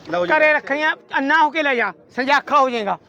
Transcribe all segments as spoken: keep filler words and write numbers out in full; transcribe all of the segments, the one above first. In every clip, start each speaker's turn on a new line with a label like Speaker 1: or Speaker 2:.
Speaker 1: ਘਰੇ ਰੱਖਣੀਆਂ ਅੰਨਾ ਹੋ ਕੇ ਲੈ ਜਾ ਸੰਜਾਖਾ ਹੋ ਜਾਏਗਾ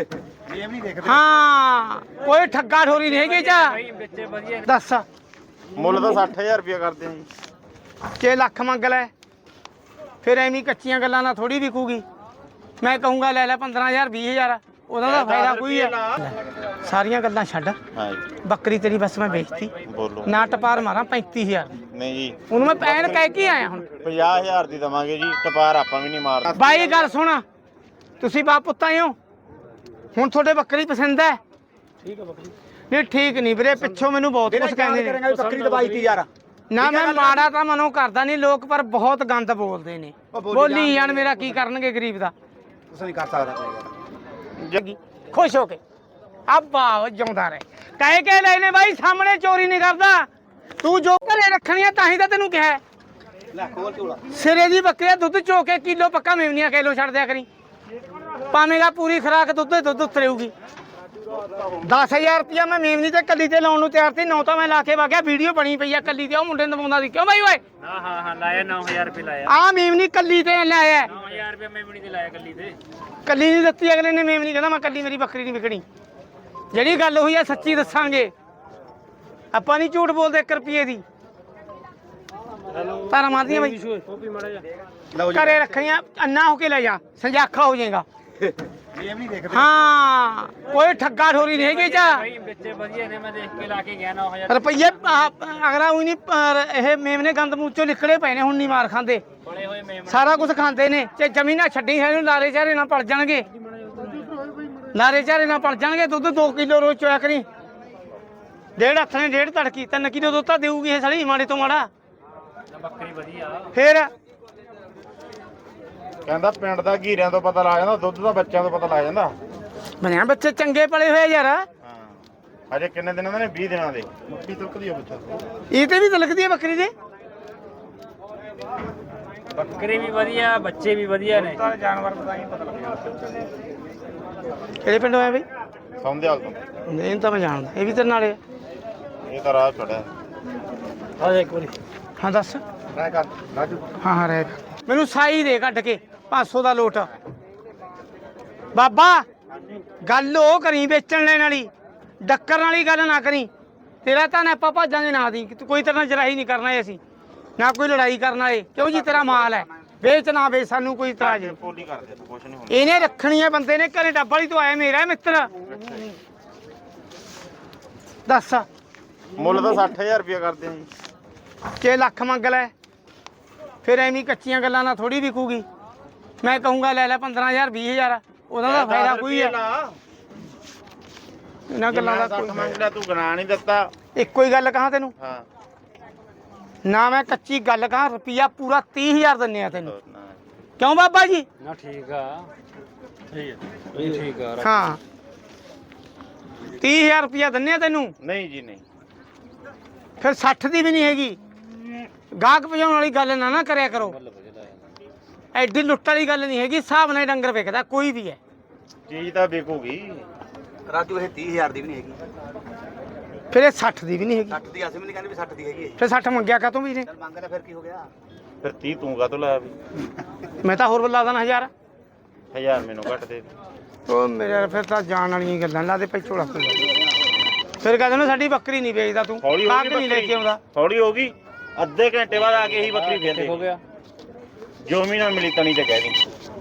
Speaker 1: ਹਾਂ ਕੋਈ ਠੱਗਾ ਠੋਰੀ ਨਹੀਂ ਹੈਗੀ ਚਾ ਦੱਸ
Speaker 2: ਮੁੱਲ ਤਾਂ ਸੱਠ ਹਜ਼ਾਰ ਰੁਪਇਆ ਕਰਦੇ ਆ ਜੀ
Speaker 1: ਛੇ ਲੱਖ ਮੰਗ ਲੈ ਫਿਰ ਐਵੇਂ ਕੱਚੀਆਂ ਗੱਲਾਂ ਨਾਲ ਥੋੜੀ ਵਿਕੂਗੀ ਮੈਂ ਕਹੂੰਗਾ ਲੈ ਲੈ ਪੰਦਰਾਂ ਹਜ਼ਾਰ ਵੀਹ ਹਜ਼ਾਰ ਉਹਦਾ ਦਾ ਫਾਇਦਾ ਕੋਈ ਹੈ ਸਾਰੀਆਂ ਗੱਲਾਂ ਛੱਡ
Speaker 2: ਹਾਂ ਜੀ
Speaker 1: ਬੱਕਰੀ ਤੇਰੀ ਬਸ ਮੈਂ ਵੇਚਤੀ
Speaker 2: ਬੋਲੋ
Speaker 1: ਨਾ ਟਪਾਰ ਮਾਰਾਂ ਪੈਂਤੀ ਹਜ਼ਾਰ
Speaker 2: ਨਹੀਂ ਜੀ
Speaker 1: ਉਹਨੂੰ ਮੈਂ ਪੈਣ ਕਹਿ ਕੇ ਆਇਆ ਹੁਣ
Speaker 2: ਪੰਜਾਹ ਹਜ਼ਾਰ ਦੀ ਦਵਾਂਗੇ ਜੀ ਟਪਾਰ ਆਪਾਂ ਵੀ ਨਹੀਂ ਮਾਰਦੇ
Speaker 1: ਬਾਈ ਗੱਲ ਸੁਣ ਤੁਸੀਂ ਬਾਪ ਪੁੱਤਾਂ ਹੀ ਹੋ ਹੁਣ ਤੁਹਾਡੇ ਬੱਕਰੀ ਪਸੰਦ ਹੈ
Speaker 3: ਠੀਕ ਹੈ ਬੱਕਰੀ
Speaker 1: ਨਹੀਂ ਠੀਕ ਨਹੀਂ ਵੀਰੇ ਪਿੱਛੋਂ ਮੈਨੂੰ ਬਹੁਤ ਕੁਝ ਕਹਿੰਦੇ ਨੇ
Speaker 3: ਬੱਕਰੀ ਦਵਾਈ ਤੀ ਯਾਰ
Speaker 1: ਨਾ ਮੈਂ ਮਾੜਾ ਤਾਂ ਮਨੋਂ ਕਰਦਾ ਨਹੀਂ ਲੋਕ ਪਰ ਬਹੁਤ ਗੰਦ ਬੋਲਦੇ ਨੇ ਬੋਲੀ ਜਾਣ ਮੇਰਾ ਕੀ ਕਰਨਗੇ ਗਰੀਬ ਦਾ
Speaker 3: ਤੁਸੀਂ ਨਹੀਂ ਕਰ ਸਕਦਾ
Speaker 1: ਖੁਸ਼ ਹੋ ਕੇ ਅੱਬਾ ਜਿਉਂਦਾ ਰਹੇ ਕਹਿ ਕੇ ਲੈ ਨੇ ਬਾਈ ਸਾਹਮਣੇ ਚੋਰੀ ਨਹੀਂ ਕਰਦਾ ਤੂੰ ਜੋ ਘਰੇ ਰੱਖਣੀਆਂ ਤਾਂ ਹੀ ਤਾਂ ਤੈਨੂੰ ਕਿਹਾ
Speaker 3: ਲੈ ਖੋਲ ਝੋਲਾ
Speaker 1: ਸਿਰੇ ਦੀ ਬੱਕਰੀ ਦੁੱਧ ਚੋ ਕੇ ਕਿਲੋ ਪੱਕਾ ਮੇਵਨੀਆਂ ਕਿਲੋ ਛੱਡ ਦਿਆ ਕਰੀ ਪਾਵੇਂਗਾ ਪੂਰੀ ਖਰਾਕ ਦੁੱਧ ਦੁੱਧ ਉਤਰੇਊਗੀ ਦਸ ਹਜ਼ਾਰ ਰੁਪਇਆ ਮੈਂ ਮੇਵਨੀ ਤੇ ਕੱਲੀ ਤੇ ਲਾਉਣ ਨੂੰ ਤਿਆਰ ਸੀ ਨੌ ਤਾਂ ਮੈਂ ਲਾ ਕੇ ਵਾਗਿਆ ਵੀਡੀਓ ਬਣੀ ਪਈ ਆ ਕੱਲੀ ਤੇ ਉਹ ਮੁੰਡੇ ਨੂੰ ਦਵਾਉਂਦਾ ਸੀ ਕਿਉਂ ਬਾਈ ਓਏ
Speaker 4: ਹਾਂ ਹਾਂ ਹਾਂ ਲਾਇਆ ਨੌ ਹਜ਼ਾਰ ਰੁਪਏ ਲਾਇਆ
Speaker 1: ਆ ਮੇਵਨੀ ਕੱਲੀ ਤੇ ਲਾਇਆ
Speaker 4: ਨੌ ਹਜ਼ਾਰ ਰੁਪਏ ਮੈਂ ਵੀ ਨਹੀਂ ਲਾਇਆ ਕੱਲੀ ਤੇ
Speaker 1: ਕੱਲੀ ਨਹੀਂ ਦਿੱਤੀ ਅਗਲੇ ਨੇ ਮੇਵਨੀ ਕਹਿੰਦਾ ਮੈਂ ਕੱਲੀ ਮੇਰੀ ਬੱਕਰੀ ਨਹੀਂ ਵਿਕਣੀ ਜਿਹੜੀ ਗੱਲ ਹੋਈ ਆ ਸੱਚੀ ਦੱਸਾਂਗੇ ਆਪਾਂ ਨਹੀਂ ਝੂਠ ਬੋਲਦੇ ਇੱਕ ਰੁਪਏ ਦੀ ਤਾਰਾ ਮਾਰਦੀਆਂ ਬਾਈ ਘਰੇ ਰੱਖਣੀਆਂ ਅੰਨਾ ਹੋ ਕੇ ਲੈ ਜਾ ਸੰਜਾਖਾ ਹੋ ਜਾਏਗਾ ਹਾਂ ਕੋਈ ਠੱਗਾ ਠੋਰੀ ਨਹੀਂ ਹੈਗੀ ਚਾ
Speaker 4: ਭਾਈ ਬੱਚੇ ਵਧੀਆ ਨੇ ਮੈਂ ਦੇਖ ਕੇ ਲਾ ਕੇ ਗਿਆ ਨੌ ਹਜ਼ਾਰ
Speaker 1: ਰੁਪਈਏ ਅਗਲਾ ਉਹੀ ਨਹੀਂ ਇਹ ਮੇਮਨੇ ਗੰਦ ਮੂਚੋਂ ਨਿਕਲੇ ਪਏ ਨੇ ਹੁਣ ਨਹੀਂ ਮਾਰ ਖਾਂਦੇ
Speaker 4: ਬੜੇ ਹੋਏ ਮੇਮ
Speaker 1: ਸਾਰਾ ਕੁਝ ਖਾਂਦੇ ਨੇ ਤੇ ਜ਼ਮੀਨਾਂ ਛੱਡੀ ਹੈ ਇਹਨੂੰ ਲਾਰੇ ਚਾਰੇ ਨਾਲ ਪਲ ਜਾਣਗੇ ਲਾਰੇ ਚਾਰੇ ਨਾਲ ਪਲ ਜਾਣਗੇ ਦੁੱਧ ਦੋ ਕਿਲੋ ਰੋਜ਼ ਚੋਇਆ ਕਰੀ ਡੇਢ ਹੱਥ ਨੇ ਡੇਢ ਤੜਕੀ ਤਿੰਨ ਕਿਲੋ ਦੁੱਧ ਤਾਂ ਦੇਊਗੀ ਇਹ ਸਾਲੀ ਮਾੜੇ ਤੋਂ ਮਾੜਾ
Speaker 4: ਬੱਕਰੀ ਵਧੀਆ
Speaker 1: ਫੇਰ
Speaker 2: ਕਹਿੰਦਾ ਪਿੰਡ ਦਾ ਘੀਰਿਆਂ ਤੋਂ ਪਤਾ ਲੱਗ ਜਾਂਦਾ ਦੁੱਧ ਦਾ ਬੱਚਿਆਂ ਤੋਂ ਪਤਾ ਲੱਗ ਜਾਂਦਾ
Speaker 1: ਬਣਿਆ ਬੱਚੇ ਚੰਗੇ ਪਲੇ ਹੋਏ ਯਾਰ
Speaker 2: ਹਾਂ ਅਜੇ ਕਿੰਨੇ ਦਿਨਾਂ ਦੇ ਨੇ ਵੀਹ ਦਿਨਾਂ ਦੇ ਮੁੱਠੀ ਤੁਲਕਦੀ ਆ ਬੱਚਾ
Speaker 1: ਇਹ ਤੇ ਵੀ ਤਲਕਦੀ ਹੈ ਬੱਕਰੀ ਦੇ
Speaker 4: ਬੱਕਰੀ ਵੀ ਵਧੀਆ ਬੱਚੇ ਵੀ ਵਧੀਆ ਨੇ
Speaker 1: ਜਾਨਵਰ ਪਤਾ ਨਹੀਂ ਪਤਾ ਲੱਗਿਆ ਕਿਹੜੇ ਪਿੰਡੋਂ ਆਇਆ ਬਈ
Speaker 2: ਸੌਂਦਿਆਲ ਤੋਂ
Speaker 1: ਨਹੀਂ ਤਾਂ ਮੈਂ ਜਾਣਦਾ ਇਹ ਵੀ ਤੇਰੇ ਨਾਲ ਹੈ
Speaker 2: ਇਹ ਤਾਂ ਰਾਹ ਚੜਿਆ
Speaker 3: ਆ ਜਾ ਇੱਕ ਵਾਰੀ
Speaker 1: ਹਾਂ ਦੱਸ
Speaker 2: ਰਾਹ ਕਰ ਰਾਜੂ
Speaker 1: ਹਾਂ ਹਾਂ ਰਹਿ ਮੈਨੂੰ ਸਾਈ ਦੇ ਕੱਢ ਕੇ ਪੰਜ ਸੌ ਦਾ ਲੋਟ ਬਾਬਾ ਗੱਲ ਉਹ ਕਰੀ ਵੇਚਣ ਲੈਣ ਵਾਲੀ ਡੱਕਰ ਵਾਲੀ ਗੱਲ ਨਾ ਕਰੀ ਤੇਰਾ ਤਾਂ ਆਪਾਂ ਭਾਜਾਂਗੇ ਨਾ ਦੀ ਕੋਈ ਤਰ੍ਹਾਂ ਜਰਾਈ ਨਹੀਂ ਕਰਨਾ ਅਸੀਂ ਨਾ ਕੋਈ ਲੜਾਈ ਕਰਨ ਵਾਲੇ ਕਿਉਂ ਜੀ ਤੇਰਾ ਮਾਲ ਹੈ ਵੇਚ ਨਾ ਵੇਚ ਸਾਨੂੰ ਕੋਈ ਇਤਰਾਜ਼ ਨਹੀਂ
Speaker 2: ਪੋਲੀ ਕਰਦੇ ਤੂੰ ਕੁਛ ਨਹੀਂ ਹੁੰਦਾ
Speaker 1: ਇਹਨੇ ਰੱਖਣੀ ਹੈ ਬੰਦੇ ਨੇ ਘਰੇ ਡੱਬ ਵਾਲੀ ਤੋਂ ਆਇਆ ਮੇਰਾ ਮਿੱਤਰ ਦੱਸ
Speaker 2: ਮੁੱਲ ਤਾਂ ਸੱਠ ਹਜ਼ਾਰ ਰੁਪਇਆ ਕਰਦੇ ਆ ਜੀ
Speaker 1: ਛੇ ਲੱਖ ਮੰਗ ਲੈ ਫਿਰ ਐਵੇਂ ਕੱਚੀਆਂ ਗੱਲਾਂ ਨਾਲ ਥੋੜੀ ਵਿਕੂਗੀ ਮੈਂ ਕਹੂੰਗਾ ਲੈ ਲੈ ਪੰਦਰਾਂ ਹਜ਼ਾਰ ਵੀਹ ਹਜ਼ਾਰ ਉਹਦਾ ਦਾ ਫਾਇਦਾ ਕੋਈ ਹੈ ਇਹਨਾਂ ਗੱਲਾਂ ਦਾ ਕੋਈ
Speaker 2: ਮੰਗ ਲਿਆ ਤੂੰ ਗਣਾ ਨਹੀਂ ਦਿੱਤਾ
Speaker 1: ਇੱਕੋ ਹੀ ਗੱਲ ਕਹਾਂ ਤੈਨੂੰ
Speaker 2: ਹਾਂ
Speaker 1: ਨਾ ਮੈਂ ਕੱਚੀ ਗੱਲ ਕਹਾਂ ਰੁਪਿਆ ਪੂਰਾ ਤੀਹ ਹਜ਼ਾਰ ਦਿੰਨੇ ਆ ਤੈਨੂੰ ਕਿਉਂ ਬਾਬਾ ਜੀ
Speaker 4: ਨਾ ਠੀਕ ਆ ਠੀਕ ਹੈ ਇਹ ਠੀਕ ਆ
Speaker 1: ਹਾਂ ਤੀਹ ਹਜ਼ਾਰ ਰੁਪਿਆ ਦਿੰਨੇ ਆ ਤੈਨੂੰ
Speaker 2: ਨਹੀਂ ਜੀ ਨਹੀਂ
Speaker 1: ਫਿਰ ਸੱਠ ਦੀ ਵੀ ਨਹੀਂ ਹੈਗੀ ਗਾਹਕ ਭਜਾਉਣ ਵਾਲੀ ਗੱਲ ਨਾ ਨਾ ਕਰਿਆ ਕਰੋ ਐਡੀ ਲੁੱਟ ਵਾਲੀ ਗੱਲ ਨਹੀਂ ਹੈਗੀ ਹਿਸਾਬ ਨਾਲ ਡੰਗਰ ਵਿਕਦਾ ਕੋਈ ਵੀ ਹੈ
Speaker 2: ਚੀਜ਼ ਤਾਂ ਵਿਕੂਗੀ
Speaker 3: ਰਾਜੂ ਇਹ ਤੀਹ ਹਜ਼ਾਰ ਦੀ ਵੀ ਨਹੀਂ ਹੈਗੀ
Speaker 1: ਫਿਰ ਇਹ ਸੱਠ ਦੀ ਵੀ ਨਹੀਂ ਹੈਗੀ
Speaker 3: ਸੱਠ ਦੀ ਅਸੀਂ ਵੀ ਨਹੀਂ ਕਹਿੰਦੇ ਵੀ ਸੱਠ ਦੀ ਹੈਗੀ ਇਹ
Speaker 1: ਫਿਰ ਸੱਠ ਮੰਗਿਆ ਕਾਤੋਂ ਵੀ ਨੇ
Speaker 3: ਚੱਲ ਮੰਗ ਲੈ ਫਿਰ ਕੀ ਹੋ ਗਿਆ
Speaker 2: ਫਿਰ ਤੀਹ ਤੂੰ ਕਾਹਤੋਂ ਲਾਇਆ ਵੀ
Speaker 1: ਮੈਂ ਤਾਂ ਹੋਰ ਬੁਲਾ ਦੇਣਾ ਹਜ਼ਾਰ
Speaker 2: ਹਜ਼ਾਰ ਮੈਨੂੰ ਘੱਟ ਦੇ ਦੇ।
Speaker 1: ਉਹ ਮੇਰੇ ਫਿਰ ਤਾਂ ਜਾਣ ਵਾਲੀਆਂ ਗੱਲਾਂ ਲਾ ਦੇ ਪੈਚੋਲਾ ਫਿਰ ਕਹਿੰਦੇ ਨੇ ਸਾਡੀ ਬੱਕਰੀ ਨਹੀਂ ਵੇਚਦਾ ਤੂੰ
Speaker 2: ਹੌਲੀ ਹੋ
Speaker 1: ਕਾਕ
Speaker 2: ਗਈ
Speaker 1: ਨਹੀਂ ਲੈ ਕੇ ਆਉਂਦਾ
Speaker 2: ਥੋੜੀ ਹੋ ਗਈ ਅੱਧੇ ਘੰਟੇ ਬਾਅਦ ਆ ਕੇ ਹੀ ਬੱਕਰੀ ਫੇਰ ਦੇ
Speaker 4: ਹੋ ਗਿਆ
Speaker 2: ਜੋ ਵੀ ਨਾ ਮਿਲੀ ਤਣੀ ਤੇ ਕਹਿ ਦੀ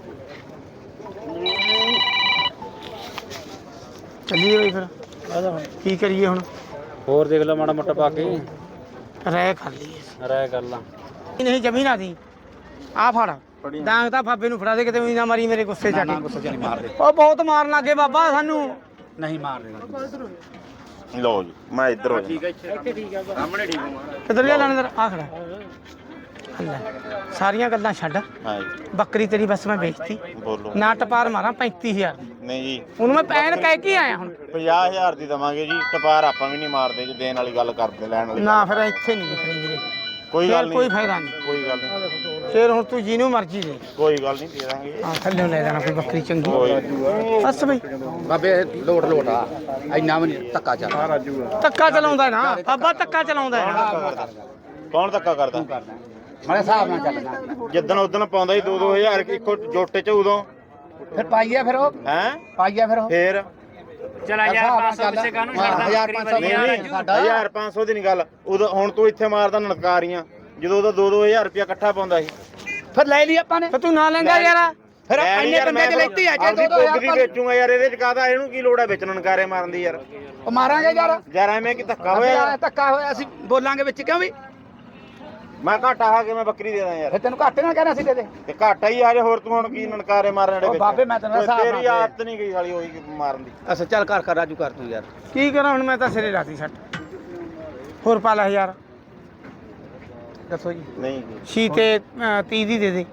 Speaker 1: ਚੱਲੀਏ ਬਈ ਫਿਰ ਕੀ ਕਰੀਏ ਹੁਣ
Speaker 4: ਹੋਰ ਦੇਖ ਲੈ ਮਾੜਾ ਮੋਟਾ ਪਾ ਕੇ
Speaker 1: ਰਹਿ ਕਰ ਲਈਏ
Speaker 4: ਰਾਇ ਕਰ ਲਾ
Speaker 1: ਨਹੀਂ ਜ਼ਮੀਨ ਦੀ ਆ ਫੜ ਡਾਂਗ ਤਾਂ ਫਾਬੇ ਨੂੰ ਫੜਾ ਦੇ ਕਿਤੇ ਵੀ ਨਾ ਮਾਰੀ ਮੇਰੇ ਗੁੱਸੇ ਚ ਆ
Speaker 3: ਨਾ
Speaker 1: ਕੇ
Speaker 3: ਗੁੱਸੇ ਚ ਨਹੀਂ ਮਾਰਦੇ
Speaker 1: ਉਹ ਬਹੁਤ ਮਾਰਨ ਲੱਗੇ ਬਾਬਾ ਸਾਨੂੰ
Speaker 3: ਨਹੀਂ ਮਾਰਦੇ
Speaker 2: ਲਓ ਜੀ ਮੈਂ ਇੱਧਰ ਹੋ ਜਾ
Speaker 4: ਇੱਥੇ ਠੀਕ ਆ
Speaker 2: ਸਾਹਮਣੇ ਠੀਕ ਹਾਂ
Speaker 1: ਕਿੱਧਰ ਲਿਆ ਲਾਣੇਦਾਰ ਆ ਖੜਾ ਲੈ ਸਾਰੀਆਂ ਗੱਲਾਂ ਛੱਡ
Speaker 2: ਹਾਂ ਜੀ
Speaker 1: ਬੱਕਰੀ ਤੇਰੀ ਬਸ ਮੈਂ ਵੇਚਤੀ
Speaker 2: ਬੋਲੋ
Speaker 1: ਨਾ ਟਪਾਰ ਮਾਰਾਂ ਪੈਂਤੀ ਹਜ਼ਾਰ
Speaker 2: ਨਹੀਂ ਜੀ
Speaker 1: ਉਹਨੂੰ ਮੈਂ ਪੈਣ ਕਹਿ ਕੇ ਆਇਆ ਹੁਣ
Speaker 2: ਪੰਜਾਹ ਹਜ਼ਾਰ ਦੀ ਦਵਾਂਗੇ ਜੀ ਟਪਾਰ ਆਪਾਂ ਵੀ ਨਹੀਂ ਮਾਰਦੇ ਜੀ ਦੇਣ ਵਾਲੀ ਗੱਲ ਕਰਦੇ ਲੈਣ ਵਾਲੀ
Speaker 1: ਨਾ ਫਿਰ ਇੱਥੇ ਨਹੀਂ ਵਿਖਣੀ ਵੀਰੇ
Speaker 2: ਕੋਈ ਗੱਲ
Speaker 1: ਫਿਰ ਕੋਈ
Speaker 2: ਨਹੀਂ
Speaker 1: ਫਾਇਦਾ ਨਹੀਂ
Speaker 2: ਕੋਈ ਗੱਲ ਨਹੀਂ
Speaker 1: ਫਿਰ ਹੁਣ ਤੂੰ ਜਿਹਨੂੰ ਮਰਜ਼ੀ ਦੇ
Speaker 2: ਕੋਈ ਗੱਲ ਨਹੀਂ ਦੇ ਦਾਂਗੇ
Speaker 1: ਹਾਂ ਥੱਲੇ ਲੈ ਜਾਣਾ ਕੋਈ ਬੱਕਰੀ ਚੰਗੀ
Speaker 2: ਕੋਈ
Speaker 1: ਬਸ ਬਈ
Speaker 3: ਬਾਬੇ ਲੋਟ ਲੋਟ ਆ ਇੰਨਾ ਵੀ ਨਹੀਂ ਧੱਕਾ ਚੱਲ
Speaker 1: ਧੱਕਾ ਚਲਾਉਂਦਾ ਨਾ ਬਾਬਾ ਧੱਕਾ ਚਲਾਉਂਦਾ ਹੈ
Speaker 2: ਕੌਣ ਧੱਕਾ ਕਰਦਾ
Speaker 3: ਮਾਰੇ ਹਿਸਾਬ ਨਾਲ ਚੱਲਣਾ
Speaker 2: ਜਿੱਦਣ ਉਦਣ ਪਾਉਂਦਾ ਸੀ ਦੋ ਦੋ ਹਜ਼ਾਰ ਇੱਕੋ ਜੋਟੇ ਚ ਉਦੋਂ
Speaker 3: ਫਿਰ ਪਾਈਏ ਫਿਰ ਉਹ
Speaker 2: ਹੈ
Speaker 3: ਪਾਈਏ ਫਿਰ ਉਹ
Speaker 2: ਫੇਰ
Speaker 4: ਚਲਾ ਯਾਰ ਪੰਜ ਸੌ ਪਿੱਛੇ ਕਾਹਨੂੰ ਛੱਡਦਾ
Speaker 3: ਹਜ਼ਾਰ
Speaker 4: ਬੱਕਰੀ
Speaker 3: ਪੰਜ ਸੌ
Speaker 4: ਵਧੀਆ
Speaker 2: ਨਹੀਂ
Speaker 3: ਸਾਡਾ
Speaker 2: ਹਜ਼ਾਰ ਪੰਜ ਸੌ ਦੀ ਨਹੀਂ ਗੱਲ ਉਦੋਂ ਹੁਣ ਤੂੰ ਇੱਥੇ ਮਾਰਦਾ ਨਨਕਾਰੀਆਂ ਜਦੋਂ ਉਹਦਾ ਦੋ ਦੋ ਹਜ਼ਾਰ ਰੁਪਇਆ ਇਕੱਠਾ ਪਾਉਂਦਾ ਸੀ
Speaker 3: ਫਿਰ ਲੈ ਲਈ ਆਪਾਂ ਨੇ
Speaker 1: ਫਿਰ ਤੂੰ ਨਾ ਲੈਂਦਾ ਯਾਰ
Speaker 3: ਫਿਰ
Speaker 2: ਮੈਂ ਨੀ
Speaker 3: ਇੰਨੇ
Speaker 2: ਯਾਰ,
Speaker 3: ਬੰਦੇ
Speaker 2: ਮੈਂ
Speaker 3: ਚ ਲੈਤੀ ਆ ਜੇ
Speaker 2: ਆਪਦੀ
Speaker 3: ਦੋ ਦੋ
Speaker 2: ਪੁੱਗ ਦੀ
Speaker 3: ਹਜ਼ਾਰ
Speaker 2: ਵੇਚੂਗਾ ਯਾਰ ਇਹਦੇ ਚ ਕਾਹਦਾ ਇਹਨੂੰ ਕੀ ਲੋੜ ਹੈ ਵੇਚਣ ਨਨਕਾਰੇ ਮਾਰਨ ਦੀ ਯਾਰ
Speaker 3: ਉਹ ਮਾਰਾਂਗੇ ਯਾਰ
Speaker 2: ਯਾਰ ਐਵੇਂ ਕੀ ਧੱਕਾ ਹੋਇਆ ਯਾਰ।
Speaker 3: ਧੱਕਾ ਹੋਇਆ ਅਸੀਂ ਬੋਲਾਂਗੇ ਵਿੱਚ ਕਿਉਂ ਵੀ
Speaker 2: ਮੈਂ ਘਾਟਾ ਖਾ ਕੇ ਮੈਂ ਬੱਕਰੀ ਦੇ ਦਾਂ ਯਾਰ
Speaker 3: ਫਿਰ ਤੈਨੂੰ ਘਾਟੇ ਨਾਲ ਕਹਿਣਾ ਸੀ ਦੇ ਦੇ
Speaker 2: ਤੇ ਘਾਟਾ ਹੀ ਆ ਜੇ ਹੋਰ ਤੂੰ ਹੁਣ ਕੀ ਨਨਕਾਰੇ ਮਾਰਨ ਦੇ
Speaker 3: ਉਹ
Speaker 2: ਵਿੱਚ
Speaker 3: ਬਾਬੇ ਮੈਂ ਤੈਨੂੰ ਹਿਸਾਬ ਨਾਲ
Speaker 2: ਤੇਰੀ
Speaker 3: ਦੇ।
Speaker 2: ਆਦਤ ਨਹੀਂ ਗਈ ਸਾਲੀ ਹੋਈ ਮਾਰਨ ਦੀ
Speaker 3: ਅੱਛਾ ਚੱਲ ਕਰ ਕਰ ਰਾਜੂ ਕਰ ਤੂੰ ਯਾਰ
Speaker 1: ਕੀ ਕਰਾਂ ਹੁਣ ਮੈਂ ਤਾਂ ਸਿਰੇ ਲਾਤੀ ਛੱਟ ਹੋਰ ਪਾ ਲੈ ਹਜ਼ਾਰ ਦੱਸੋ ਜੀ
Speaker 2: ਨਹੀਂ
Speaker 1: ਛੀ ਤੇ ਤੀਹ ਦੀ ਦੇ ਦੇ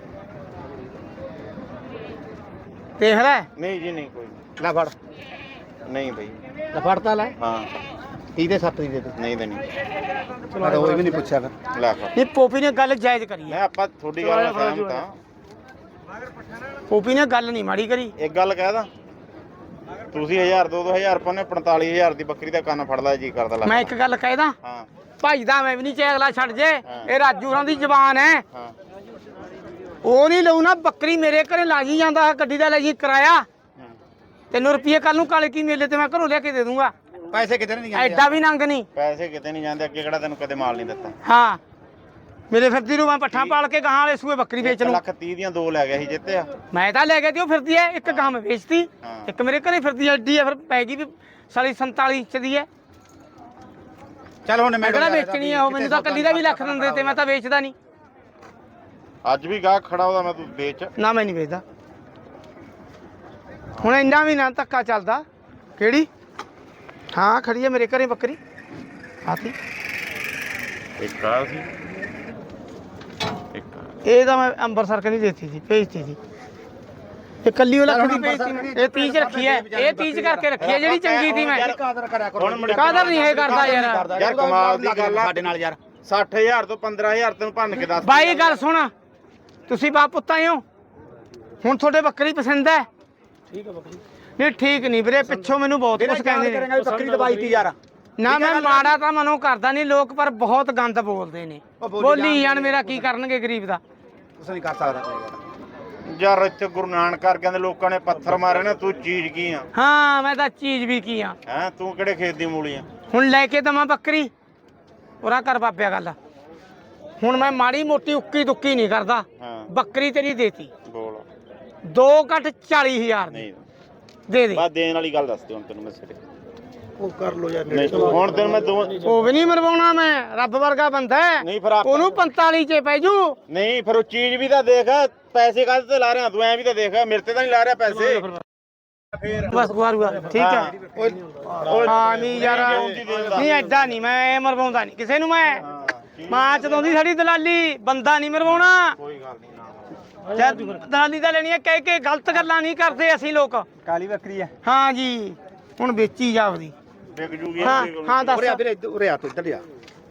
Speaker 1: ਦੇਖ ਲੈ
Speaker 2: ਨਹੀਂ ਜੀ ਨਹੀਂ ਕੋਈ ਨਹੀਂ।
Speaker 3: ਲੈ ਫੜ
Speaker 2: ਨਹੀਂ ਬਈ
Speaker 3: ਲੈ ਫੜਤਾ ਲੈ
Speaker 2: ਹਾਂ
Speaker 3: ਤੀਹ ਦੇ ਸੱਤ ਦੀ ਦੇ ਦੇ
Speaker 2: ਨਹੀਂ ਦੇਣੀ
Speaker 3: ਮੈਂ ਤਾਂ ਉਹ ਵੀ ਨਹੀਂ ਪੁੱਛਿਆ ਫਿਰ
Speaker 2: ਲੈ ਫੜ
Speaker 1: ਇਹ ਪੋਪੀ ਨੇ ਗੱਲ ਜਾਇਜ਼ ਕਰੀ
Speaker 2: ਮੈਂ
Speaker 1: ਹੈ
Speaker 2: ਆਪਾਂ ਤੁਹਾਡੀ ਗੱਲ ਨਾਲ ਸਹਿਮਤ ਹਾਂ
Speaker 1: ਪੋਪੀ ਨੇ ਗੱਲ ਨਹੀਂ ਮਾੜੀ ਕਰੀ
Speaker 2: ਇੱਕ ਗੱਲ ਕਹਿਦਾ ਤੁਸੀਂ ਹਜ਼ਾਰ ਦੋ ਦੋ ਹਜ਼ਾਰ ਪਾਉਣੇ ਪੰਤਾਲੀ ਹਜ਼ਾਰ ਦੀ ਬੱਕਰੀ ਦਾ ਕੰਨ ਫੜਦਾ ਜੀ ਕਰਦਾ ਲੈ
Speaker 1: ਮੈਂ ਇੱਕ ਗੱਲ ਕਹਿਦਾ
Speaker 2: ਹਾਂ
Speaker 1: ਭਾਈ ਦਾ ਮੈਂ ਵੀ ਨਹੀਂ ਚੈਗਲਾ ਛੱਡ ਜੇ ਇਹ ਰਾਜੂ ਹੋਰਾਂ ਦੀ ਜ਼ਬਾਨ ਹੈ
Speaker 2: ਹਾਂ
Speaker 1: ਉਹ ਨਹੀਂ ਲਊ ਨਾ ਬੱਕਰੀ ਮੇਰੇ ਘਰੇ ਲਾਜੀ ਜਾਂਦਾ ਗੱਡੀ ਦਾ ਲੈ ਜੀ ਕਿਰਾਇਆ
Speaker 2: ਹੂੰ।
Speaker 1: ਤੈਨੂੰ ਰੁਪਏ ਕੱਲ ਨੂੰ ਕਾਲੇ ਕੀ ਮੇਲੇ ਤੇ ਮੈਂ ਘਰੋਂ ਲਿਆ ਕੇ ਦੇ ਦੂੰਗਾ
Speaker 3: ਪੈਸੇ ਕਿਤੇ ਨਹੀਂ ਜਾਂਦੇ
Speaker 1: ਐਡਾ ਵੀ ਨੰਗ ਨਹੀਂ
Speaker 2: ਪੈਸੇ ਕਿਤੇ ਨਹੀਂ ਜਾਂਦੇ ਅੱਗੇ ਕਿਹੜਾ ਤੈਨੂੰ ਕਦੇ ਮਾਲ ਨਹੀਂ ਦਿੱਤਾ
Speaker 1: ਹਾਂ ਮੇਰੇ ਫਿਰਦੀ ਨੂੰ ਮੈਂ ਪੱਠਾ ਪਾਲ ਕੇ ਗਾਹਾਂ ਵਾਲੇ ਸੂਏ ਬੱਕਰੀ ਵੇਚ
Speaker 2: ਇੱਕ
Speaker 1: ਲੂੰ
Speaker 2: ਲੱਖ ਤੀਹ ਦੀਆਂ ਦੋ ਲੈ ਗਿਆ ਸੀ ਜਿੱਤਿਆ
Speaker 1: ਮੈਂ ਤਾਂ ਲੈ ਗਿਆ ਤੇ ਉਹ ਫਿਰਦੀ ਐ ਇੱਕ ਗਾਂ ਮੈਂ ਵੇਚਤੀ
Speaker 2: ਹਾਂ।
Speaker 1: ਇੱਕ ਮੇਰੇ ਘਰੇ ਫਿਰਦੀ ਐਡੀ ਐ ਫਿਰ ਪੈ ਗਈ ਵੀ ਸਾਲੀ ਸੰਤਾਲੀ ਇੰਚ ਦੀ ਐ
Speaker 3: ਚੱਲ ਹੁਣ
Speaker 1: ਮੈਂ ਕਿਹੜਾ ਵੇਚਣੀ ਆ ਉਹ ਮੈਨੂੰ ਤਾਂ ਕੱਲੀ ਦਾ ਵੀ ਲੱਖ ਦਿੰਦੇ ਤੇ ਮੈਂ ਤਾਂ ਵੇਚਦਾ ਨਹੀਂ
Speaker 2: ਅੱਜ ਵੀ ਗਾਹਕ ਖੜਾ ਉਹਦਾ ਮੈਂ ਤੂੰ ਵੇਚ
Speaker 1: ਨਾ ਮੈਂ ਨਹੀਂ ਵੇਚਦਾ ਹੁਣ ਇੰਨਾ ਵੀ ਨਾ ਧੱਕਾ ਚੱਲਦਾ ਕਿਹੜੀ ਹਾਂ ਖੜੀ ਐ ਮੇਰੇ ਘਰੇ ਬੱਕਰੀ ਆਤੀ
Speaker 2: ਇੱਕ ਆ ਸੀ ਇੱਕ ਆ।
Speaker 1: ਇਹ ਤਾਂ ਮੈਂ ਅੰਬਰਸਰ ਕਨੀ ਦੇਤੀ ਸੀ ਭੇਜਤੀ ਸੀ ਇਹ ਕੱਲੀ ਉਹ ਲੱਖ ਦੀ ਭੇਜਤੀ ਮੈਂ। ਇਹ ਤੀਹ ਚ ਰੱਖੀ ਐ ਇਹ ਤੀਹ ਚ ਕਰਕੇ ਰੱਖੀ ਐ ਜਿਹੜੀ ਚੰਗੀ ਸੀ ਮੈਂ
Speaker 3: ਕਾਦਰ ਕਰਿਆ ਕਰੋ
Speaker 2: ਹੁਣ ਮੁੜ ਕੇ-
Speaker 1: ਕਾਦਰ ਨਹੀਂ ਇਹ ਕਰਦਾ ਯਾਰ
Speaker 2: ਯਾਰ ਕਮਾਲ ਦੀ ਗੱਲ ਆ
Speaker 3: ਸਾਡੇ ਨਾਲ ਯਾਰ
Speaker 2: ਸੱਠ ਹਜ਼ਾਰ ਤੋਂ ਪੰਦਰਾਂ ਹਜ਼ਾਰ ਤੈਨੂੰ ਭੰਨ ਕੇ ਦੱਸ
Speaker 1: ਬਾਈ ਗੱਲ ਸੁਣ ਤੁਸੀਂ ਬਾਪ ਪੁੱਤਾਂ ਹੋ ਹੁਣ ਤੁਹਾਡੇ ਬੱਕਰੀ ਪਸੰਦ ਹੈ
Speaker 3: ਠੀਕ ਹੈ ਬੱਕਰੀ
Speaker 1: ਨਹੀਂ ਠੀਕ ਨਹੀਂ ਵੀਰੇ ਪਿੱਛੋਂ ਮੈਨੂੰ ਬਹੁਤ ਕੁਝ ਕਹਿੰਦੇ ਨੇ
Speaker 3: ਕਰੇਗਾ ਬੱਕਰੀ ਦਵਾਈ ਤੀ ਯਾਰ
Speaker 1: ਨਾ ਮੈਂ ਮਾੜਾ ਤਾਂ ਮਨੋਂ ਕਰਦਾ ਨਹੀਂ ਲੋਕ ਪਰ ਬਹੁਤ ਗੰਦ ਬੋਲਦੇ ਨੇ
Speaker 3: ਉਹ ਬੋਲੀ
Speaker 1: ਬੋਲੀ ਜਾਣ ਮੇਰਾ ਕੀ ਕਰਨਗੇ ਗਰੀਬ ਦਾ
Speaker 3: ਕੁਛ ਨਹੀਂ ਕਰ ਸਕਦਾ
Speaker 2: ਯਾਰ ਇੱਥੇ ਗੁਰੂ ਨਾਨਕ ਕਰਕੇ ਦੇ ਲੋਕਾਂ ਨੇ ਪੱਥਰ ਮਾਰੇ ਨੇ ਤੂੰ ਚੀਜ਼ ਕੀ ਆ
Speaker 1: ਹਾਂ ਮੈਂ ਤਾਂ ਚੀਜ਼ ਵੀ ਕੀ ਆ
Speaker 2: ਹੈ ਤੂੰ ਕਿਹੜੇ ਖੇਤ ਦੀ ਮੂਲੀ ਆ
Speaker 1: ਹੁਣ ਲੈ ਕੇ ਦਵਾਂ ਬੱਕਰੀ ਉਰਾ ਕਰ ਬਾਬਿਆ ਗੱਲ ਹੁਣ ਮੈਂ ਮਾੜੀ ਮੋਟੀ ਉੱਕੀ ਦੁੱਕੀ ਨਹੀਂ ਕਰਦਾ
Speaker 2: ਹਾਂ
Speaker 1: ਬੱਕਰੀ ਤੇਰੀ ਦੇਤੀ
Speaker 2: ਬੋਲ
Speaker 1: ਦੋ ਘੱਟ ਚਾਲੀ ਹਜ਼ਾਰ ਦੀ
Speaker 2: ਨਹੀਂ
Speaker 1: ਦੇ ਦੇ
Speaker 2: ਬਸ ਦੇਣ ਵਾਲੀ ਗੱਲ ਦੱਸ ਦੇ ਹੁਣ ਤੈਨੂੰ ਮੈਂ ਸਿਰੇ
Speaker 3: ਉਹ ਕਰ ਲੋ ਯਾਰ
Speaker 2: ਨਹੀਂ ਹੁਣ ਤੈਨੂੰ ਮੈਂ ਦੋ
Speaker 1: ਉਹ ਵੀ ਨਹੀਂ ਮਰਵਾਉਣਾ ਮੈਂ ਰੱਬ ਵਰਗਾ ਬੰਦਾ ਹੈ
Speaker 2: ਨਹੀਂ ਫਿਰ ਆਪਾਂ
Speaker 1: ਉਹਨੂੰ ਪੰਤਾਲੀ ਚ ਪੈ ਜੂ
Speaker 2: ਨਹੀਂ ਫਿਰ ਉਹ ਚੀਜ਼ ਵੀ ਤਾਂ ਦੇਖ ਪੈਸੇ ਕਾਹਦੇ ਤੇ ਲਾ ਰਿਹਾ ਤੂੰ ਐ ਵੀ ਤਾਂ ਦੇਖ ਮੇਰੇ ਤੇ ਤਾਂ ਨਹੀਂ ਲਾ ਰਿਹਾ ਪੈਸੇ
Speaker 1: ਬਸ ਗੁਆਰੂਗਾ ਠੀਕ ਹੈ
Speaker 2: ਉਹ
Speaker 1: ਹਾਂ ਨਹੀਂ ਯਾਰ ਨਹੀਂ ਐਡਾ ਨਹੀਂ ਮੈਂ ਮਰਵਾਉਂਦਾ ਨਹੀਂ ਕਿਸੇ ਨੂੰ ਮੈਂ ਮਾਂ ਚਦਾਉਂਦੀ ਸਾਡੀ ਦਲਾਲੀ ਬੰਦਾ ਨਹੀਂ ਮਰਵਾਉਣਾ
Speaker 2: ਕੋਈ ਗੱਲ ਨਹੀਂ ਨਾ
Speaker 1: ਜਦ ਦਲਾਲੀ ਦਾ ਲੈਣੀ ਹੈ ਕਹਿ ਕੇ ਗਲਤ ਗੱਲਾਂ ਨਹੀਂ ਕਰਦੇ ਅਸੀਂ ਲੋਕ
Speaker 3: ਕਾਲੀ ਬੱਕਰੀ ਹੈ
Speaker 1: ਹਾਂ ਜੀ ਹੁਣ ਵੇਚੀ ਜਾਵਦੀ
Speaker 2: ਵਿਕ ਜੂਗੀ
Speaker 1: ਹਾਂ ਹਾਂ ਦੱਸ
Speaker 3: ਉਰੇ ਆ ਵੀਰੇ ਉਰੇ ਆ ਤੂੰ ਇੱਧਰ ਆ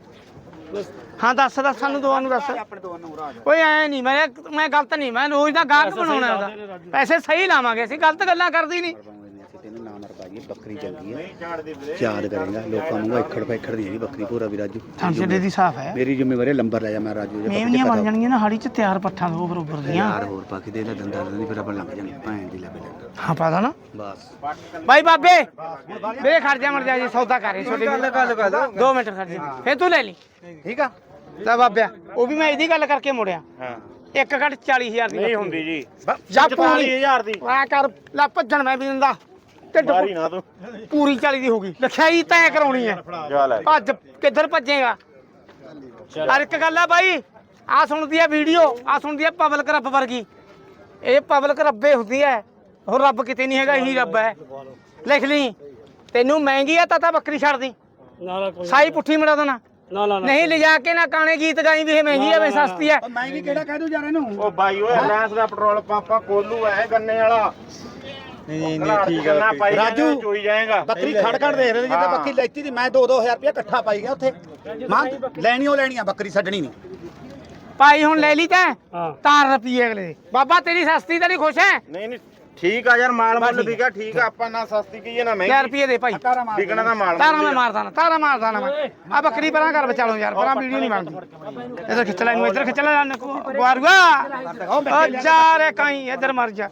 Speaker 1: ਹਾਂ ਦੱਸ ਦੱਸ ਸਾਨੂੰ ਦੋਵਾਂ ਨੂੰ ਦੱਸ
Speaker 3: ਆਪਣੇ ਦੋਵਾਂ ਨੂੰ ਉਰਾ
Speaker 1: ਓਏ ਐ ਨਹੀਂ ਮੈਂ ਮੈਂ ਗਲਤ ਨਹੀਂ ਮੈਂ ਰੋਜ਼ ਦਾ ਗਾਹਕ ਬਣਾਉਣਾ ਉਹਦਾ ਪੈਸੇ ਸਹੀ ਲਾਵਾਂਗੇ ਅਸੀਂ ਗਲਤ ਗੱਲਾਂ ਕਰਦੀ ਨਹੀਂ
Speaker 3: ਅਸੀਂ ਤੈਨੂੰ ਨਾ ਮਰਵਾਈਏ ਬੱਕਰੀ ਚੰਗੀ ਹੈ
Speaker 2: ਨਹੀਂ ਝਾੜਦੇ ਵੀਰੇ
Speaker 3: ਯਾਦ ਕਰੇਗਾ ਲੋਕਾਂ ਨੂੰ ਇੱਖੜ ਪੈਖੜ ਦੀ ਹੈਗੀ ਬੱਕਰੀ ਪੂਰਾ ਵੀ ਰਾਜੂ
Speaker 1: ਸੰਸਦੇ ਦੀ ਸਾਫ ਹੈ
Speaker 3: ਮੇਰੀ ਜ਼ਿੰਮੇਵਾਰੀ ਲੰਬਰ ਲੈ ਜਾ ਮੈਂ ਰਾਜੂ ਜੇ
Speaker 1: ਮੇਵਨੀਆਂ ਬਣ ਜਾਣਗੀਆਂ ਨਾ ਹਾੜੀ ਚ ਤਿਆਰ ਪੱਠਾਂ ਦੋ ਬਰੋਬਰ ਦੀਆਂ
Speaker 3: ਯਾਰ ਹੋਰ ਪਾ ਕੇ ਦੇ ਦੇ ਦੰਦਾਂ ਦੀ ਫਿਰ ਆਪਾਂ ਲੰਘ ਜਾਣੀ ਭੈਣ ਦੀ ਲੱਭ ਲੈ
Speaker 1: ਹਾਂ ਪਤਾ ਨਾ
Speaker 3: ਬਸ
Speaker 1: ਬਾਈ ਬਾਬੇ ਵੇ ਖੜ ਜਾ ਮਰ ਜਾ ਜੀ ਸੌਦਾ ਕਰੇ ਛੋਟੀ ਗੱਲ ਗੱਲ ਕਰ ਦੋ ਮਿੰਟ ਖੜ ਜਾ ਫੇਰ ਤੂੰ ਲੈ ਲਈ
Speaker 3: ਠੀਕ ਆ
Speaker 1: ਲੈ ਬਾਬਿਆ ਉਹ ਵੀ ਮੈਂ ਇਹਦੀ ਗੱਲ ਕਰਕੇ ਮੁੜਿਆ
Speaker 2: ਹਾਂ
Speaker 1: ਇੱਕ ਘੱਟ ਚਾਲੀ ਹਜ਼ਾਰ ਦੀ
Speaker 2: ਨਹੀਂ ਹੁੰਦੀ ਜੀ
Speaker 1: ਜਾ
Speaker 2: ਚਾਲੀ ਹਜ਼ਾਰ ਦੀ
Speaker 1: ਆ ਕਰ ਲੈ ਭੱਜਣ ਮੈਂ ਵੀ ਦਿੰਦਾ ਢਿੱਡ
Speaker 2: ਮਾਰੀ ਨਾ ਤੂੰ
Speaker 1: ਪੂਰੀ ਚਾਲੀ ਦੀ ਹੋ ਗਈ ਲਖਾਈ ਤੈਅ ਕਰਾਉਣੀ ਹੈ
Speaker 2: ਜਾ ਲੈ
Speaker 1: ਭੱਜ ਕਿੱਧਰ ਭੱਜੇਗਾ ਹਰ ਇੱਕ ਗੱਲ ਆ ਬਾਈ ਆ ਸੁਣਦੀ ਆ ਵੀਡੀਓ ਆ ਸੁਣਦੀ ਆ ਪਬਲਿਕ ਰੱਬ ਵਰਗੀ ਇਹ ਪਬਲਿਕ ਰੱਬੇ ਹੁੰਦੀ ਹੈ ਹੋਰ ਰੱਬ ਕਿਤੇ ਨਹੀਂ ਹੈਗਾ ਇਹੀ ਰੱਬ ਹੈ ਲਿਖ ਲਈ ਤੈਨੂੰ ਮਹਿੰਗੀ ਆ ਤਾਂ ਤਾਂ ਬੱਕਰੀ ਛੱਡ ਦੀ ਸਾਈ ਪੁੱਠੀ ਮੜਾ ਦੇਣਾ ਨਹੀਂ ਲਿਜਾ ਕੇ ਨਾ ਕਾਣੇ ਗੀਤ ਗਾਈ ਵੀ ਇਹ ਮਹਿੰਗੀ ਆ ਵੇ ਸਸਤੀ ਹੈ
Speaker 3: ਮਹਿੰਗੀ ਕਿਹੜਾ ਕਹਿ ਦੂ ਯਾਰ ਇਹਨੂੰ
Speaker 2: ਉਹ ਬਾਈ ਓਏ ਰਿਲਾਇੰਸ ਦਾ ਪੈਟਰੋਲ ਪੰਪ ਆ ਕੋਲੂ ਹੈ ਗੰਨੇ ਵਾਲਾ ਨਹੀਂ ਨਹੀਂ ਠੀਕ ਹੈ
Speaker 3: ਰਾਜੂ,
Speaker 2: ਰਾਜੂ ਚੋਈ ਜਾਏਗਾ
Speaker 3: ਬੱਕਰੀ ਖੜ ਖੜ ਦੇਖ ਰਹੇ ਜਿੱਦਾਂ
Speaker 2: ਹਾਂ।
Speaker 3: ਬੱਕਰੀ ਲੈਤੀ ਦੀ ਮੈਂ ਦੋ ਦੋ ਹਜ਼ਾਰ ਰੁਪਇਆ ਇਕੱਠਾ ਪਾਈ ਗਿਆ ਉੱਥੇ ਮਾਂ ਲੈਣੀ ਉਹ ਲੈਣੀ ਆ ਬੱਕਰੀ ਛੱਡਣੀ ਨਹੀਂ
Speaker 1: ਭਾਈ ਹੁਣ ਲੈ ਲਈ ਤੈਂ ਤਾਰ ਰੁਪਏ ਅਗਲੇ ਦੇ। ਬਾਬਾ ਤੇਰੀ ਸਸਤੀ ਤਾਂ ਨਹੀਂ ਖੁਸ਼ ਹੈ
Speaker 2: ਨਹੀਂ ਨਹੀਂ ਠੀਕ ਆ ਯਾਰ ਮਾਲ ਮੁੱਲ ਵਿਕਾ ਠੀਕ ਆ ਆਪਾਂ ਨਾ ਸਸਤੀ ਕਹੀਏ ਨਾ
Speaker 1: ਹਜ਼ਾਰ
Speaker 2: ਮਹਿੰਗੀ
Speaker 1: ਰੁਪਏ ਦੇ ਭਾਈ
Speaker 2: ਵਿਕਣਾ ਦਾ ਮਾਲ
Speaker 1: ਤਾਰਾ ਮੈਂ ਮਾਰਦਾ ਨਾ ਤਾਰਾ ਮਾਰਦਾ ਨਾ ਮੈਂ ਆ ਬੱਕਰੀ ਪਰਾਂ ਕਰ ਬਚਾ ਲਓ ਯਾਰ ਪਰਾਂ ਵੀਡੀਓ ਨਹੀਂ ਬਣਦੀ ਇਧਰ ਖਿੱਚ ਲੈ ਇਹਨੂੰ ਇਧਰ ਖਿੱਚ ਲੈ ਗਵਾਰੂਆ ਓ ਚਾਰੇ ਕਾਈ ਇਧਰ ਮਰ ਜਾ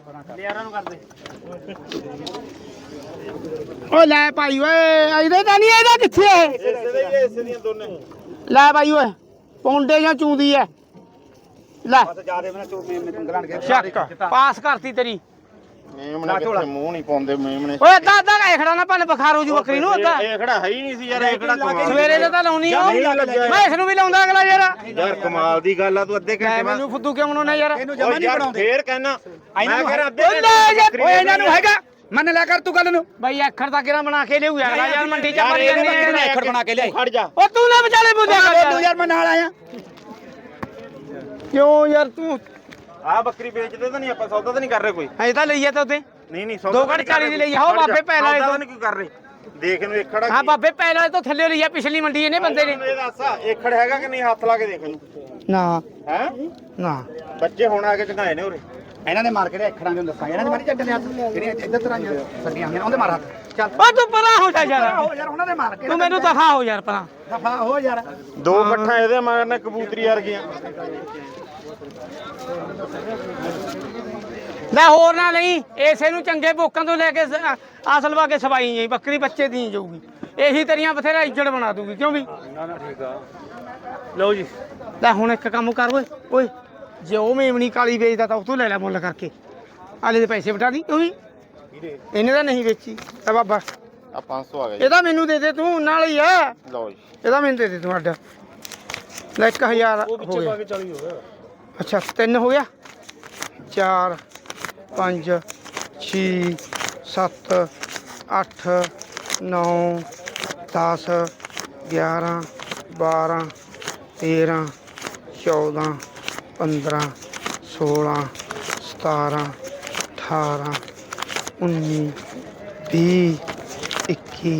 Speaker 1: ਓ ਲੈ ਭਾਈ ਓਏ ਇਹਦੇ ਤਾਂ ਨਹੀਂ ਇਹਦਾ ਕਿੱਥੇ ਹੈ
Speaker 2: ਇਸੇ ਦੇ ਹੀ ਇਸੇ ਦੀਆਂ ਦੋਨੇ
Speaker 1: ਲੈ ਭਾਈ ਓਏ ਪੌਂਡੇ ਜਾਂ ਚੂੰਦੀ ਐ ਲੈ
Speaker 3: ਜਿਆਦੇ ਮੈਂ ਚੋਮੇ ਮੇ ਪੰਗਲਾਣ ਕੇ
Speaker 1: ਚੱਕ ਪਾਸ ਕਰਤੀ ਤੇਰੀ
Speaker 2: ਮੇਮਣੇ ਕਿੱਥੇ ਮੂੰਹ ਨਹੀਂ ਪਾਉਂਦੇ ਮੇਮਣੇ
Speaker 1: ਓਏ ਅੱਧਾ ਅੱਧਾ ਇਹ ਖੜਾ ਨਾ ਭੰਨ ਬਖਾਰੋ ਜੂ ਬੱਕਰੀ ਨੂੰ ਅੱਧਾ
Speaker 2: ਇਹ ਖੜਾ ਹੈ ਹੀ ਨਹੀਂ ਸੀ ਯਾਰ ਇਹ ਖੜਾ ਕਮਾਲ
Speaker 1: ਸਵੇਰੇ ਤੇ ਤਾਂ ਲਾਉਣੀ ਆ
Speaker 2: ਨਹੀਂ ਲੱਗਿਆ
Speaker 1: ਮੈਂ ਇਸ ਨੂੰ ਵੀ ਲਾਉਂਦਾ ਅਗਲਾ ਯਾਰ
Speaker 2: ਯਾਰ ਕਮਾਲ ਦੀ ਗੱਲ ਆ ਤੂੰ ਅੱਧੇ
Speaker 1: ਲੈ
Speaker 2: ਘੰਟੇ ਬਾਅਦ
Speaker 1: ਮੈਨੂੰ ਫੁੱਦੂ ਕਿਉਂ ਬਣਾਉਣਾ ਯਾਰ
Speaker 3: ਇਹਨੂੰ ਜਮਾ ਨਹੀਂ ਬਣਾਉਂਦੇ
Speaker 2: ਫੇਰ ਕਹਿਣਾ ਮੈਂ ਕਿਹਾ ਅੱਧੇ
Speaker 1: ਓਏ ਲੈ ਜਾ
Speaker 3: ਓਏ ਇਹਨਾਂ ਨੂੰ ਹੈਗਾ ਮੰਨ ਲਿਆ ਕਰ ਤੂੰ ਗੱਲ ਨੂੰ
Speaker 1: ਬਈ ਅੱਖਰ ਤਾਂ ਕਿਹੜਾ ਬਣਾ ਕੇ ਲਿਆਉ ਯਾਰ ਯਾਰ ਮੰਡੀ ਚ
Speaker 2: ਯਾਰ
Speaker 1: ਮਰ
Speaker 2: ਇਹਦੇ
Speaker 1: ਜਾਂਦੇ
Speaker 2: ਬੱਕਰੀ
Speaker 1: ਆ
Speaker 3: ਅੱਖਰ ਬਣਾ ਕੇ ਲਿਆਈ
Speaker 2: ਖੜ ਜਾ
Speaker 1: ਓ ਤੂੰ ਨਾ ਵਿਚਾਲੇ ਬੁੱਧਿਆ ਕਰ
Speaker 3: ਤੂੰ
Speaker 1: ਯਾਰ
Speaker 3: ਯਾਰ ਮੈਂ ਨਾਲ ਆਇਆ
Speaker 1: ਕਿਉਂ ਯਾਰ ਤੂੰ
Speaker 2: ਆ ਬੱਕਰੀ ਵੇਚਦੇ ਤਾਂ ਨਹੀਂ ਆਪਾਂ ਸੌਦਾ ਤਾਂ ਨਹੀਂ ਕਰ ਰਹੇ ਕੋਈ
Speaker 1: ਅਜੇ ਤਾਂ ਲਈ ਆ ਤਾਂ ਉੱਤੇ
Speaker 2: ਨਹੀਂ ਨਹੀਂ
Speaker 1: ਦੋ ਘੰਟੇ ਚਾਲੀ ਦੀ ਲਈ ਆ, ਉਹ ਬਾਬੇ ਪਹਿਲਾਂ
Speaker 2: ਸੌਦਾ
Speaker 1: ਇਹ
Speaker 2: ਤਾਂ ਨਹੀਂ ਕੋਈ ਕਰ ਰਹੇ ਦੇਖ ਇਹਨੂੰ ਇੱਕ ਖੜਾ
Speaker 1: ਹਾਂ ਬਾਬੇ ਪਹਿਲਾਂ ਤੋਂ ਥੱਲੇ ਲਈ ਆ ਪਿਛਲੀ ਮੰਡੀ ਇਹਨੇ ਬੰਦੇ ਨੇ
Speaker 2: ਇਹ ਦੱਸ ਇੱਕ ਖੜ ਹੈਗਾ ਕਿ ਨਹੀਂ ਹੱਥ ਲਾ ਕੇ ਦੇਖ ਇਹਨੂੰ
Speaker 1: ਨਾ
Speaker 2: ਹੈ
Speaker 1: ਨਾ
Speaker 2: ਬੱਚੇ ਹੁਣ ਆ ਕੇ ਚੰਗਾਏ ਨੇ ਉਰੇ
Speaker 3: ਇਹਨਾਂ ਨੇ ਮਾਰ ਕੇ ਲਿਆ ਅੱਖਰਾਂ ਨੂੰ ਦੱਸਾਂ ਇਹਨਾਂ ਨੇ ਮਾਰੀ ਚੱਟ ਲਿਆ ਜਿਹੜੀਆਂ ਇੱਧਰ ਤਰ੍ਹਾਂ ਸੱਡੀਆਂ ਹੋਈਆਂ ਉਹਦੇ ਮਾਰ ਹੱਥ ਚੱਲ
Speaker 1: ਓ ਤੂੰ ਪਰਾਂ ਹੋ ਜਾ ਯਾਰ
Speaker 3: ਹੋ ਯਾਰ ਉਹਨਾਂ ਦੇ ਮਾਰ ਕੇ
Speaker 1: ਤੂੰ ਮੈਨੂੰ ਦਫਾ ਹੋ ਯਾਰ ਪਰਾਂ
Speaker 3: ਦਫਾ ਹੋ ਯਾਰ
Speaker 2: ਦੋ ਪੱਠਾਂ ਇਹਦੇ ਮਗਰ ਨੇ ਕਬੂਤਰੀ ਵਰਗੀਆਂ
Speaker 1: ਲੈ ਹੋਰ ਨਾ ਨਹੀਂ ਇਸੇ ਨੂੰ ਚੰਗੇ ਬੋਕਾਂ ਤੋਂ ਲੈ ਕੇ ਸ- ਅਸਲ ਵਾ ਕੇ ਸਵਾਈ ਜਾਈ ਬੱਕਰੀ ਬੱਚੇ ਦੀ ਜਾਊਗੀ ਇਹੀ ਤੇਰੀਆਂ ਬਥੇਰਾ ਇੱਜੜ ਬਣਾ ਦੂਗੀ ਕਿਉਂ ਵੀ
Speaker 4: ਨਾ ਨਾ ਠੀਕ ਆ ਲਓ ਜੀ
Speaker 1: ਲੈ ਹੁਣ ਇੱਕ ਕੰਮ ਕਰ ਓਏ ਓਏ ਜੇ ਉਹ ਮੇਮਣੀ ਕਾਲੀ ਵੇਚਦਾ ਤਾਂ ਉਹ ਤੋਂ ਲੈ ਲੈ ਮੁੱਲ ਕਰਕੇ ਆਲੇ ਦੇ ਪੈਸੇ ਵਟਾ ਦੀ ਉਹ ਵੀ ਇਹਨੇ ਤਾਂ ਨਹੀਂ ਵੇਚੀ ਆ ਬਾਬਾ
Speaker 2: ਆ ਪੰਜ ਸੌ ਆ ਗਿਆ ਜੀ
Speaker 1: ਇਹਦਾ ਮੈਨੂੰ ਦੇ ਦੇ ਤੂੰ ਨਾਲ ਹੀ ਆ
Speaker 2: ਲਓ ਜੀ
Speaker 1: ਇਹਦਾ ਮੈਨੂੰ ਦੇ ਦੇ ਤੂੰ ਅੱਡ ਲੈ ਇੱਕ ਹਜ਼ਾਰ
Speaker 4: ਉਹ
Speaker 1: ਹੋ
Speaker 4: ਪਿੱਛੇ
Speaker 1: ਗਿਆ
Speaker 4: ਪਾ ਕੇ ਚਾਲੀ ਹੋ ਗਿਆ
Speaker 1: ਅੱਛਾ ਤਿੰਨ ਹੋ ਗਿਆ ਚਾਰ ਪੰਜ ਛੇ ਸੱਤ ਅੱਠ ਨੌ ਦਸ ਗਿਆਰਾਂ ਬਾਰਾਂ ਤੇਰਾਂ ਚੌਦਾਂ ਪੰਦਰਾਂ ਸੋਲਾਂ ਸਤਾਰਾਂ ਅਠਾਰਾਂ ਉੱਨੀ ਵੀਹ ਇੱਕੀ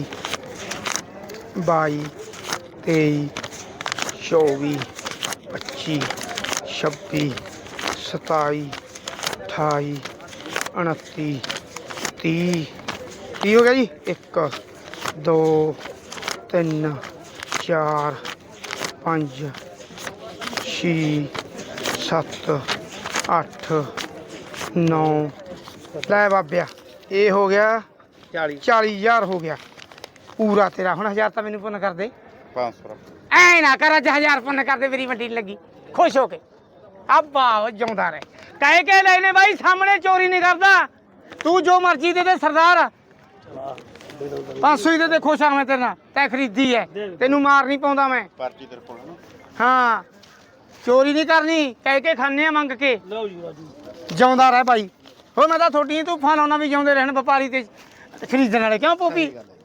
Speaker 1: ਬਾਈ ਤੇਈ ਚੌਵੀ ਪੱਚੀ ਛੱਬੀ ਸਤਾਈ ਅਠਾਈ ਉਨੱਤੀ ਤੀਹ ਤੀਹ ਹੋ ਗਿਆ ਜੀ ਇੱਕ ਦੋ ਤਿੰਨ ਚਾਰ ਪੰਜ ਛੇ ਸੱਤ ਅੱਠ ਨੌ ਲੈ ਬਾਬਿਆ ਇਹ ਹੋ ਗਿਆ
Speaker 3: ਚਾਲੀ
Speaker 1: ਚਾਲੀ ਹਜ਼ਾਰ ਹੋ ਗਿਆ ਪੂਰਾ ਤੇਰਾ ਹੁਣ ਹਜ਼ਾਰ ਤਾਂ ਮੈਨੂੰ ਪੁੰਨ ਕਰ ਦੇ
Speaker 2: ਪੰਜ ਸੌ
Speaker 1: ਐ ਨਾ ਕਰ ਅੱਜ ਹਜ਼ਾਰ ਪੁੰਨ ਕਰ ਦੇ ਮੇਰੀ ਮੰਡੀ ਨੀ ਲੱਗੀ ਖੁਸ਼ ਹੋ ਕੇ ਅੱਬਾ ਉਹ ਜਿਉਂਦਾ ਰਹੇ ਕਹਿ ਕੇ ਲੈਨੇ ਬਾਈ ਸਾਹਮਣੇ ਚੋਰੀ ਨਹੀਂ ਕਰਦਾ ਤੂੰ ਜੋ ਮਰਜ਼ੀ ਦੇ ਦੇ ਸਰਦਾਰ ਪੰਜ ਸੌ ਹੀ ਦੇ ਦੇ ਖੁਸ਼ ਆ ਮੈਂ ਤੇਰੇ ਨਾਲ ਤੈਂ ਖਰੀਦੀ ਐ ਤੈਨੂੰ ਮਾਰ ਨਹੀਂ ਪਾਉਂਦਾ ਮੈਂ
Speaker 2: ਪਰਚੀ ਤੇਰੇ ਕੋਲ ਨਾ
Speaker 1: ਹਾਂ ਚੋਰੀ ਨਹੀਂ ਕਰਨੀ ਕਹਿ ਕੇ ਖਾਣੇ ਆ ਮੰਗ ਕੇ
Speaker 4: ਲਓ ਜੀ ਰਾਜੂ
Speaker 1: ਜਿਉਂਦਾ ਰਹਿ ਭਾਈ ਹੋ ਮੈਂ ਤਾਂ ਤੁਹਾਡੀ ਤੂੰ ਫਾਲਾਉਣਾ ਵੀ ਜਿਉਂਦੇ ਰਹਿਣ ਵਪਾਰੀ ਤੇ ਖਰੀਦਣ ਵਾਲੇ ਕਿਉਂ ਪੋਪੀ